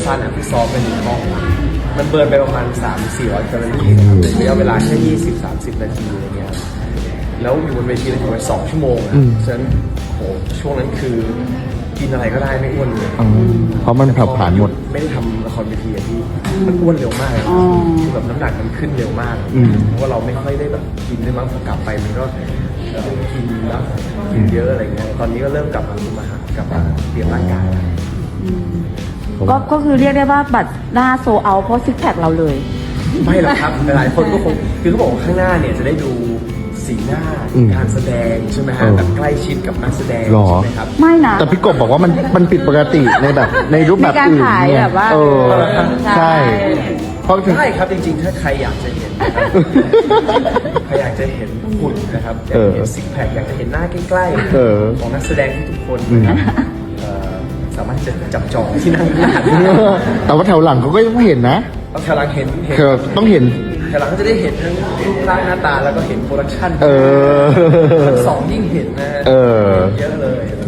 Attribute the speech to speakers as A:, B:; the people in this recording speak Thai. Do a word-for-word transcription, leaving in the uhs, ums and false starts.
A: สั้นอ่ะที่ซ้อมเป็นหนึ่งห้องมันเบิร์นไปประมาณสามสี่ร้อยแคลอรี่นะครับในระยะเวลาแค่ยี่สิบสามสิบนาทีอะไรเงี้ยแล้วอยู่บนเวทีเลยถึงไปสองชั่วโมงอ่ะฉะนั้นโหช่วงนั้นคือกินอะไรก็ได้ไม่อ้วนเลย
B: เพราะมันเผาผลาญหมด
A: ไม่ได้ทำละครเวทีอะพี่มันอ้วนเร็วมากเลยคือแบบน้ำหนักมันขึ้นเร็วมากเพราะว่าเราไม่ค่อยได้แบบกินด้วยมั้งพอกลับไปมันก็เอ่อกินแล้วกินเยอะอะไรเงี้ยตอนนี้ก็เริ่มกลับมาคุมอาหารกลับมาเตรียมร่างกายแล้ว
C: ก็ก็คือเรียกได้ว่าบัตรหน้าโซเอาเพราะซิกแพคเราเลย
A: ไม่หรอกครับหลายคนก็คงคือเขาบอกว่าข้างหน้าเนี่ยจะได้ดูสีหน้าการแสดงใช่ไหมฮะแบบใกล้ชิดกับนักแสดง
B: หรอ
A: ใช่ไหมครับ
C: ไม่นะ
B: แต่พี่กบบอกว่ามันมันผิดปกติในแบบในรูปแบบอื่น
C: ในการขาย
B: เนี่
C: แบบว่า
B: เออ
C: ใช่
B: ใช่เพราะถึง
A: ใช่ครับจริงๆ ถ้าใครอยากจะเห็นนะครับ ใครอยากจะเห็นหุ่นนะครับอยากจะเห็นซิกแพคอยากจะเห็นหน้าใกล้
B: เออ
A: ๆของนักแสดงทุกๆคนนะครับเอ่อสามารถที่จะจับจองที่นั่งข้างหน้าได้
B: แต่ว่าแถวหลังเขาก็ยังเห็นนะ
A: ต้องแถวหลังเห็นเห็น
B: คือต้องเห็น
A: แถวหลังก็จะได้เห็นทั้งรูปร่างหน้าตาแล้วก็เห็นโปรดักชั่น
B: เออ
A: ชั้นสองยิ่งเห็นนะฮะ
B: เออ
A: เยอะเลย